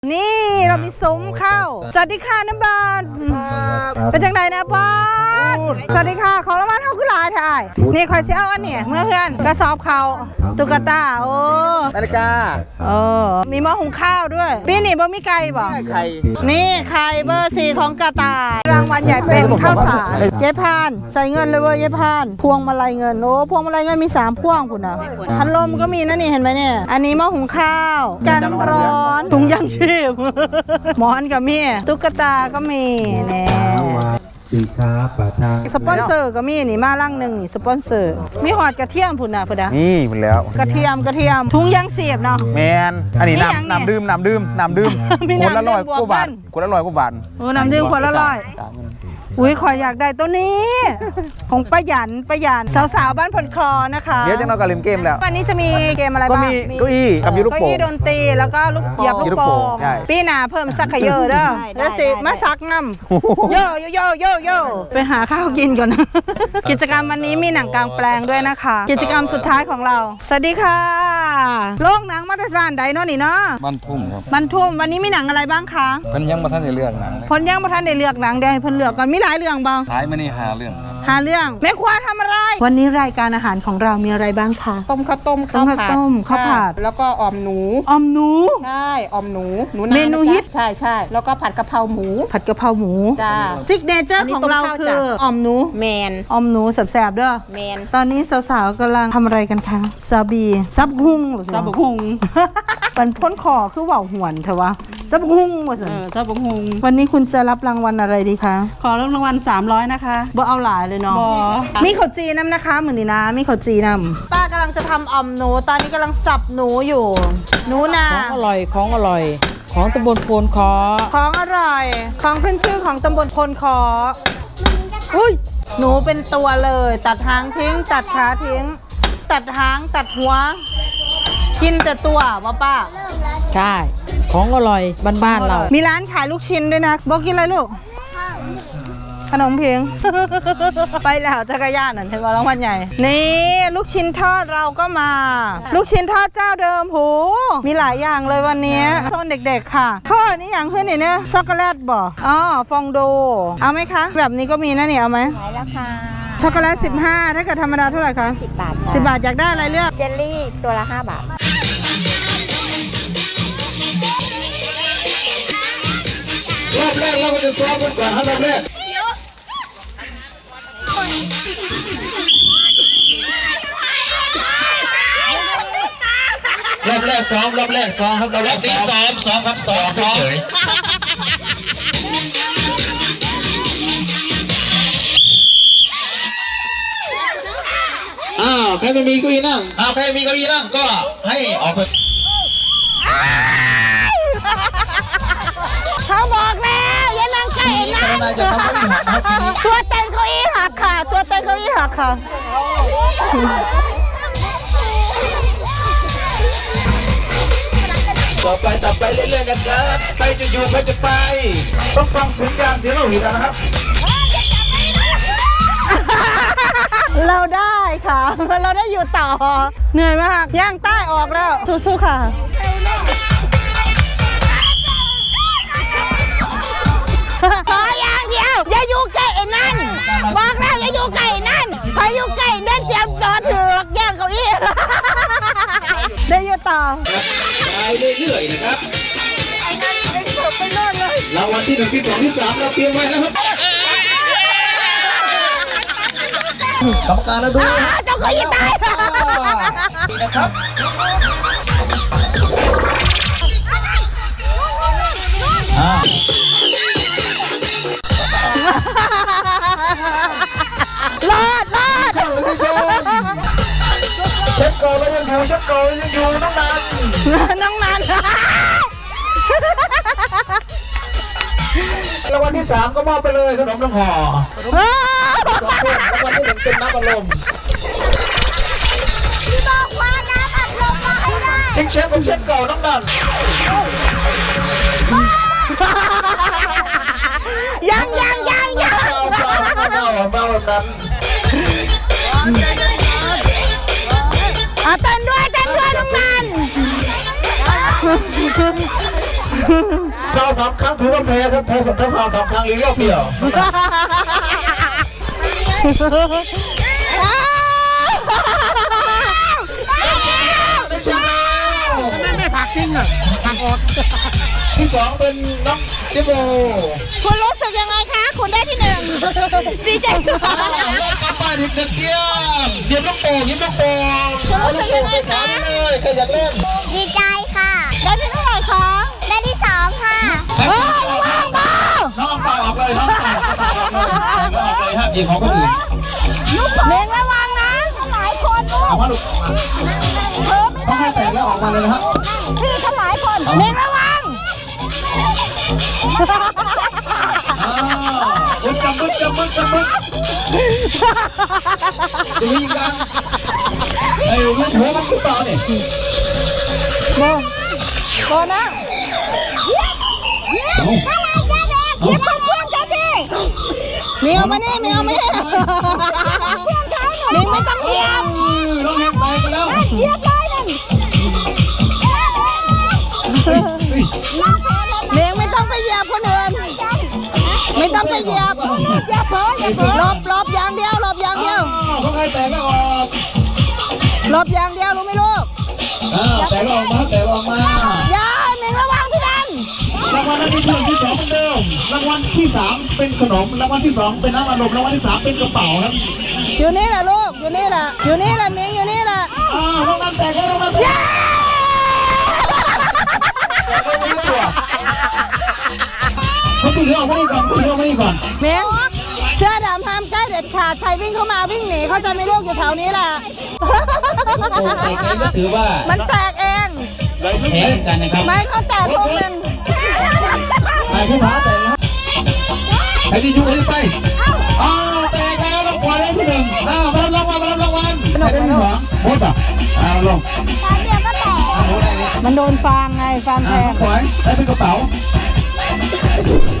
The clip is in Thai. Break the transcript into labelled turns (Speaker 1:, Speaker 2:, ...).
Speaker 1: นี่เรามีซุ้มข้าวสวัสดีค่ะน้ำบาลเป็นจังไดนะบาลสวัสดีค่ะของรางวัลเท่าขึ้นลายถ่ายนี่คอยเสียเอาอันนี้เมื่อเพื่อนกระสอบเขาตุ๊กตาโอ้
Speaker 2: นาฬิกา
Speaker 1: มีหม้อหุงข้าวด้วยพี่นี่บ่มีไก่บ่
Speaker 2: ไข่
Speaker 1: นี่ไข่เบอร์ 4ของกระต่ายรางวัลใหญ่เป็นข้าวสารเย้พานใส่เงินเลยเว้ยเย้พานพวงมาลัยเงินโอ้พวงมาลัยเงินมี3พวงคุณนะพัดลมก็มีนะนี่เห็นไหมเนี่ยอันนี้หม้อหุงข้าวกันน้ำร้อนถุงยางชีพหมอนก็มีตุ๊กตาก็มีเนี่ย
Speaker 3: สีค้าปะทาง
Speaker 1: สปอนเซอร์ก็มีนี่มาลังหนึ่งนี่สปอนเซอร์มีหอดกระเทียมพุ่นนะพุ่นนะ
Speaker 2: นี่หมดแล้ว
Speaker 1: กระเทียมถุงยางเสียบเนาะ
Speaker 2: แมนอันนี้น้ำดื่มคนละ100 กว่าบาทคนละ100 กว่าบาท
Speaker 1: โอ้น้ำดื่มคนละ100อุ้ยขออยากได้ตัวนี้ของประหยันสาวๆบ้านพลคลอนะคะ
Speaker 2: เดี๋ยวจะนอนกับเล่นเกมแล้ว
Speaker 1: วันนี้จะมีเกมอะไรบ้าง
Speaker 2: ก็มีเก้าอี้กับยูลูกโป่ง
Speaker 1: เก้าอี้ดนตรีแล้วก็ลูกเหยียบลูกโป่งปีหน้าเพิ่มซักขยเยอะเด้อแล้วสิมาซักง่ำโยไปหาข้าวกินก่อนนะกิจกรรมวันนี้มีหนังกลางแปลงด้วยนะคะกิจกรรมสุดท้ายของเราสวัสดีค่ะโรงหนังมัตสบานไดโน่นนี่เนาะ
Speaker 3: บ้านทุ่มครับ
Speaker 1: บ้านทุ่มวันนี้มีหนังอะไรบ้างคะ
Speaker 3: เพิ่นยังบ่ทันได้เลือกหนัง
Speaker 1: เพิ่นยังบ่ทันได้เลือกหนังเดี๋ยวให้เพิ่นเลือกก่อนมีหลายเรื่องบ่
Speaker 3: ท้ายมานี่5 เรื่อง
Speaker 1: 5 เรื่องแม่ครัวทำอะไรวันนี้รายการอาหารของเรามีอะไรบ้างคะ
Speaker 4: ต้มข้าวต้มข้าวผัดแล้วก็ออมหนูใช่ออมหนู
Speaker 1: เมนูฮิต
Speaker 4: ใช่แล้วก็ผัดกะเพราหมูจ้า
Speaker 1: ซิกเนเจอร์ของเราคือออมหนู
Speaker 4: แมน
Speaker 1: ออมหนูแสบๆเด้อ
Speaker 4: แมน
Speaker 1: ตอนนี้สาวๆกำลังทำอะไรกันคะซาบีซับหุงมันพ้นคอคือว่าวหวนเถอะวะซับหุงหมดสิ
Speaker 5: ซับหุง
Speaker 1: วันนี้คุณจะรับรางวัลอะไรดีคะ
Speaker 5: ขอรางวัล300นะคะ
Speaker 1: บ่เอาหลายเลยเนาะมีข้าวจีน้ำนะคะเหมือนนี่นะมีข้าวจีน้ำป้ากำลังจะทำออมหนูตอนนี้กำลังสับหนูอยู่หนูนา
Speaker 5: ของอร่อยของตำบลโพนคอ
Speaker 1: ของอร่อยของขึ้นชื่อของตำบลโพนคออุ้ยหนูเป็นตัวเลยตัดหางทิ้งตัดขาทิ้งตัดหางตัดหัวกินแต่ตัวป้า
Speaker 5: ใช่ของอร่อยบ้านเรา
Speaker 1: มีร้านขายลูกชิ้นด้วยนะบอกกินอะไรลูกขนมเพียงไปแล้วจักรยานนั่นเห็นว่ารางวัลใหญ่นี่ลูกชิ้นทอดเราก็มาลูกชิ้นทอดเจ้าเดิมโหมีหลายอย่างเลยวันนี้โซนเด็กๆค่ะข้อนี้อย่างขึ้นนี่เนี่ยช็อกโกแลตบ่ฟองโดเอาไหมคะแบบนี้ก็มีนะเนี่ยเอาไหม
Speaker 4: ขายราคา
Speaker 1: ช็อกโกแลต15ถ้าเกิดธรรมดาเท่าไหร่คะ
Speaker 4: 10 บาท
Speaker 1: 10 บาทอยากได้อะไรเลือก
Speaker 4: เจลลี่ตัวละ5 บาท
Speaker 3: รอบแรกเราจะซ้อมกันก่อนครับรอบแรกซ้อมรอบแรกซ้อมครับรอบที่ซ้อมครับซ้อมเฉยใครไม่มีเก้าอี้นั่งใครมีเก้าอี้นั่งก็ให้ออกไป
Speaker 1: เขาบอกแล้วอย่านั่งใกล้นั่งตัวเต็งเก้าอี้หักค่ะตัวเต็งเก้าอี้หักค่ะ
Speaker 3: ต่อไปเรื่อยๆกันครับไปจะอยู่ไปจะไปต้องฟังเสียงยางเสียงเราหีนะครับ
Speaker 1: เราได้ค่ะเราได้อยู่ต่อเหนื่อยมากย่างใต้ออกแล้วสู้ๆค่ะขออย่างเดียวอย่าอยู่ใกล้ไอ้นั่นบอกแล้วอย่าอยู่ใกล้นั่นพออยู่ใกล้นั่นเตรียมตัวถือย่างเก้าอี้ได้อยู่ต่อ
Speaker 3: ไปเรื่อยๆนะครับไอ้นั่นได้เสิร์ฟไปโน่นเลยรางวัลที่1ที่2ที่3เราเตรียมไว้แล้วครับกรรมการแล้วดู
Speaker 1: เจ้าเก้าอี้ตาย
Speaker 3: นะครับ
Speaker 1: รอด
Speaker 3: เช็คก่อนแล้วยังอยู่น้องนันรางวัลที่3ก็มอบไปเลยขนมน้ำห่อ2 คนรางวัลที่1เป็นน้ำอัดลม
Speaker 1: พี่บอกว่าน้ำอัดลมมาให้ได้
Speaker 3: เช็คก่อนน้องนัน
Speaker 1: ยัง
Speaker 3: เมานั้น
Speaker 1: เต้นด้วยน้องนัน
Speaker 3: ฟาว3 ครั้งถือว่าแพ้ครับถ้าฟาว3 ครั้งหรือรอบเดียว
Speaker 4: ไม่ผักจริงเหรอผักอด
Speaker 3: ที่ 2 เป็นน้องเจโบ
Speaker 1: คุณรู้สึกยังไงคะ คุณได้ที่หนึ่งดีใจค่ะ
Speaker 3: กลับบ้านอีก1 เกียร์เยี่ยมลูกโป่งยิ้มลูกโป่งเอาลูกโป่งไปขายเลยใครอยากเล่น
Speaker 6: ดีใจค่ะ
Speaker 1: ได้ที่เท่าไหร่คะ
Speaker 6: ได้ที่2ค่ะ
Speaker 1: ระวังเบา
Speaker 3: น้องเปล่าออกเลยน้องเปล่าออกเลยฮะยิงของคนอื่น
Speaker 1: เมงระวังนะหลายคน
Speaker 3: เอามาลูกต้องให้แตกแล้วออกมาเลยนะครับ
Speaker 1: พี่ทั้งหลายคนเมงระวัง
Speaker 3: บึ้จับบึ้จะยิงกันไอ้ลูกหัวมันคือเปล่าเนี่ย
Speaker 1: โบนะเมียวมานี่เมียวมานี่มิงไม่ต้องเหยียบ
Speaker 3: น้องแฮมแตกไปแล้ว
Speaker 1: เหยียบเลยเมียงไม่ต้องไปเหยียบคนอื่นไม่ต้องไปเหยียบหลบอย่างเดียวหลบอย่างเดียว
Speaker 3: ต้องให้แตกแล้วออก
Speaker 1: หลบอย่างเดียวรู้ไหมลูก
Speaker 3: แตกแล้วออกมาแตกแล้วออกมา
Speaker 1: ยายเมียงระวังพี่นัน
Speaker 3: รางวัลนั้นเป็นที่2เป็นเดิมรางวัลที่3เป็นขนมรางวัลที่2เป็นน้ำอัดลมรางวัลที่3เป็นกระเป๋าครับ
Speaker 1: อยู่นี่แหละลูกอยู่นี่แหละเมียงอยู่นี่แหละ
Speaker 3: ห้องน้ำแตกแล้วห้องน้ำแตกเขาตีเรื่องมานี่ก่อนตีเรื่องมานี่ก่อน
Speaker 1: เมียงเสื้อดำห้ามใกล้เด็ดขาดใครวิ่งเข้ามาวิ่งหนีเขาจะไม่ลูกอยู่แถวนี้แหละ
Speaker 3: โอ้แตกเองก็ถือว่า
Speaker 1: มันแตกเอง
Speaker 3: แพ้กันนะครับ
Speaker 1: ไม่เขาแตกพวกมัน
Speaker 3: ไอ้ผู้หาแตกแล้วไอ้ที่ยุ่งไปแตกแล้วต้องปล่อยได้ที่1มารับรางวัลไอ้ได้ที่2โคตรลง
Speaker 1: มันโดนฟางไงฟางแทง
Speaker 3: ปล่อยได้เป็นกระเป๋า